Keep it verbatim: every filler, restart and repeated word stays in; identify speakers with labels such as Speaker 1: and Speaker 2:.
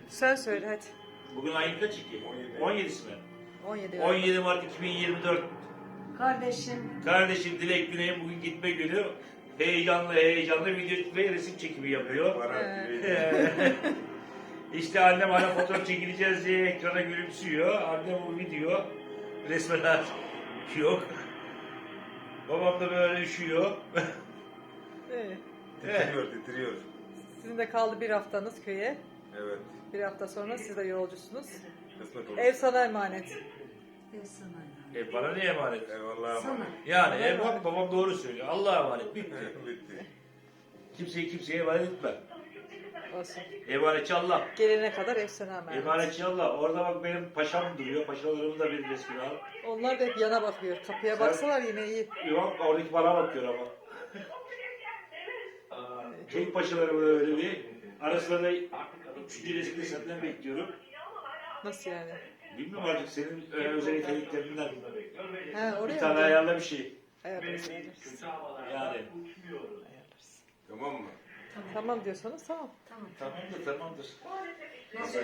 Speaker 1: Sen söyle hadi.
Speaker 2: Bugün ayın kaç ki? on yedisi mi?
Speaker 1: on yedi.
Speaker 2: on yedi Mart iki bin yirmi dört.
Speaker 3: Kardeşim.
Speaker 2: Kardeşim Dilek Güney'in bugün gitme günü. Heyecanlı heyecanlı video ve resim çekimi yapıyor.
Speaker 4: Bana
Speaker 2: İşte annem hala fotoğraf çekileceğiz diye ekrana gülümsüyor. Annem bu video resmen yok. Babam da böyle üşüyor.
Speaker 1: Evet.
Speaker 4: titriyor, titriyor.
Speaker 1: Sizin de kaldı bir haftanız köye.
Speaker 4: Evet.
Speaker 1: Bir hafta sonra siz de yolcusunuz.
Speaker 4: Kısmet olur.
Speaker 1: Ev sana emanet.
Speaker 3: Ben sana.
Speaker 2: E bana ne emanet?
Speaker 4: Eyvallah.
Speaker 3: Sana.
Speaker 2: Yani ev bak babam doğru söylüyor. Allah'a emanet bitti.
Speaker 4: Bitti.
Speaker 2: Kimseyi kimseye emanet etme.
Speaker 1: Olsun.
Speaker 2: Emanetçi Allah.
Speaker 1: Gelene kadar ev sana emanet.
Speaker 2: Emanetçi Allah. Orada bak benim paşam duruyor. Paşalarımın da bir resmini al.
Speaker 1: Onlar da hep yana bakıyor. Kapıya
Speaker 2: Sen-
Speaker 1: baksalar yine iyi.
Speaker 2: Yok oradaki bana bakıyor ama. Tek paşalarım öyle bir. Arasında da üçüncü resmini senden bekliyorum.
Speaker 1: Nasıl yani?
Speaker 2: Bilmiyorum artık senin e, özel yeteneklerinden.
Speaker 1: Ha, oraya
Speaker 2: Bir tane
Speaker 1: mı?
Speaker 2: ayarla bir şey.
Speaker 1: Ayarlarız, ayarlarız.
Speaker 2: Yani.
Speaker 1: Ayarlarız.
Speaker 4: Tamam mı?
Speaker 1: Tamam diyorsanız tamam.
Speaker 3: Tamam.
Speaker 2: Tamamdır tamamdır.
Speaker 3: Nasıl